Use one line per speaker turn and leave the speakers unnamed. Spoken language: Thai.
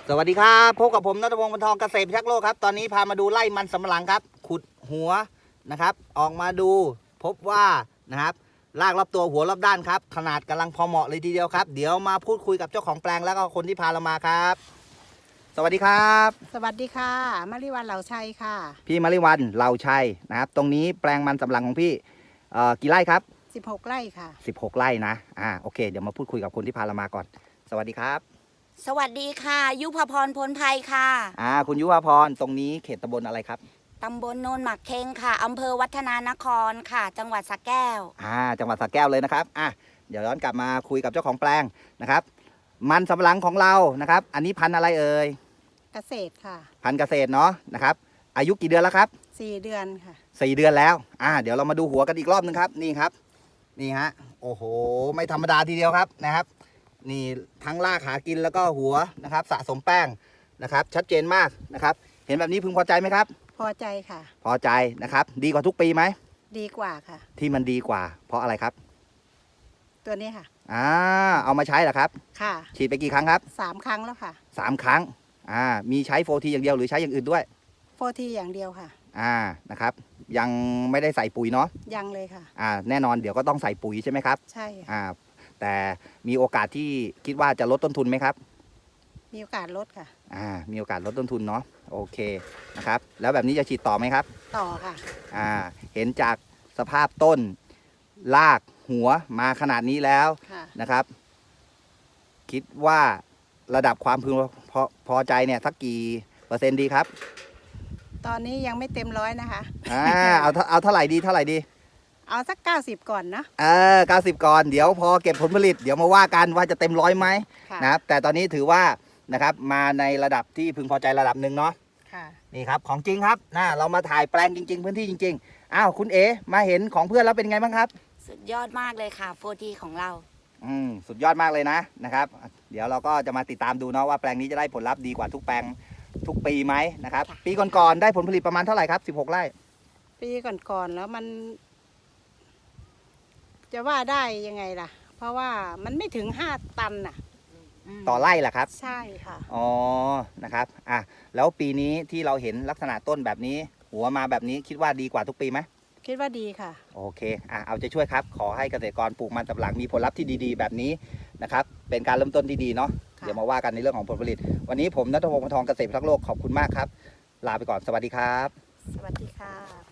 สวัสดีครับพบกับผมณัฐพงศ์ บรรทองเกษตรพิทักษ์โลกครับตอนนี้พามาดูไร่มันสำปะหลังครับขุดหัวนะครับออกมาดูพบว่านะครับรากรอบตัวหัวรอบด้านครับขนาดกำลังพอเหมาะเลยทีเดียวครับเดี๋ยวมาพูดคุยกับเจ้าของแปลงแล้วก็คนที่พาเรามาครับสวัสดีครับ
สวัสดีค่ะมาริวันเหล่าชัยค่ะ
พี่มาริวันเหล่าชัยนะครับตรงนี้แปลงมันสำปะหลังของพี่กี่ไร่ครับ
16 ไร่ค่ะ
16ไร่นะโอเคเดี๋ยวมาพูดคุยกับคนที่พาเรามาก่อนสวัสดีครับ
สวัสดีค่ะยุพพรพลภัยค่ะ
คุณยุวพรตรงนี้เขตตำบลอะไรครับ
ตำบลโนนหมักเค็งค่ะอำเภอวัฒนานครค่ะจังหวัดสระแก้ว
จังหวัดสระแก้วเลยนะครับเดี๋ยวย้อนกลับมาคุยกับเจ้าของแปลงนะครับมันสำปะหลังของเรานะครับอันนี้พันธุ์อะไรเอ่ย
เกษตรค่ะ
พันธุ์เกษตรเนาะนะครับอายุกี่เดือนแล้วครับ
4 เดือนค่ะ
4 เดือนแล้วเดี๋ยวเรามาดูหัวกันอีกรอบนึงครับนี่ครับนี่ฮะโอ้โหไม่ธรรมดาทีเดียวครับนะครับนี่ทั้งรากหากินแล้วก็หัวนะครับสะสมแป้งนะครับชัดเจนมากนะครับเห็นแบบนี้พึงพอใจไหมครับ
พอใจค่ะ
พอใจนะครับดีกว่าทุกปีไหม
ดีกว่าค่ะ
ที่มันดีกว่าเพราะอะไรครับ
ตัวนี้ค่ะ
เอามาใช้เหรอครับ
ค่ะ
ฉีดไปกี่ครั้งครับ
3 ครั้งแล้วค่ะ
3 ครั้งมีใช้โฟทีอย่างเดียวหรือใช้อย่างอื่นด้วย
โฟทีอย่างเดียวค่ะ
นะครับยังไม่ได้ใส่ปุ๋ยเนาะ
ยังเลยค่ะ
แน่นอนเดี๋ยวก็ต้องใส่ปุ๋ยใช่ไหมครับ
ใช่
แต่มีโอกาสที่คิดว่าจะลดต้นทุนไหมครับ
มีโอกาสลดค่ะ
มีโอกาสลดต้นทุนเนาะโอเคนะครับแล้วแบบนี้จะฉีดต่อไหมครับ
ต่อค่ะ
เห็นจากสภาพต้นรากหัวมาขนาดนี้แล้วนะครับคิดว่าระดับความพึงพอใจเนี่ยสักกี่เปอร์เซ็นต์ดีครับ
ตอนนี้ยังไม่เต็มร้อยนะคะ
เอาเท่าไหร่ดี
เอาสัก90ก่อนนะ
90ก่อนเดี๋ยวพอเก็บผลผลิตเดี๋ยวมาว่ากันว่าจะเต็ม100ไหมนะครับแต่ตอนนี้ถือว่านะครับมาในระดับที่พึงพอใจระดับหนึ่งเนาะนี่ครับของจริงครับเรามาถ่ายแปลงจริงๆพื้นที่จริงๆคุณเอ๋มาเห็นของเพื่อนแล้วเป็นไงบ้างครับ
สุดยอดมากเลยค่ะโฟทีของเรา
สุดยอดมากเลยนะครับเดี๋ยวเราก็จะมาติดตามดูเนาะว่าแปลงนี้จะได้ผลลัพธ์ดีกว่าทุกแปลงทุกปีไหมนะครับปีก่อนๆได้ผลผลิตประมาณเท่าไหร่ครับ16 ไร่
ปีก่อนๆแล้วมันจะว่าได้ยังไงล่ะเพราะว่ามันไม่ถึง5 ตันน่ะ
ต่อไร่ล่ะครับ
ใช่ค่ะ
นะครับแล้วปีนี้ที่เราเห็นลักษณะต้นแบบนี้หัวมาแบบนี้คิดว่าดีกว่าทุกปีไหม
คิดว่าดีค่ะ
โอเคเอาใจช่วยครับขอให้เกษตรกรปลูกมันสำปะหลังมีผลลัพธ์ที่ดีๆแบบนี้นะครับเป็นการเริ่มต้นที่ดีเนาะเดี๋ยวมาว่ากันในเรื่องของผลผลิตวันนี้ผมณัฐพงศ์ บรรทองเกษตรพิทักษ์โลกขอบคุณมากครับลาไปก่อนสวัสดีครับ
สวัสดีค่ะ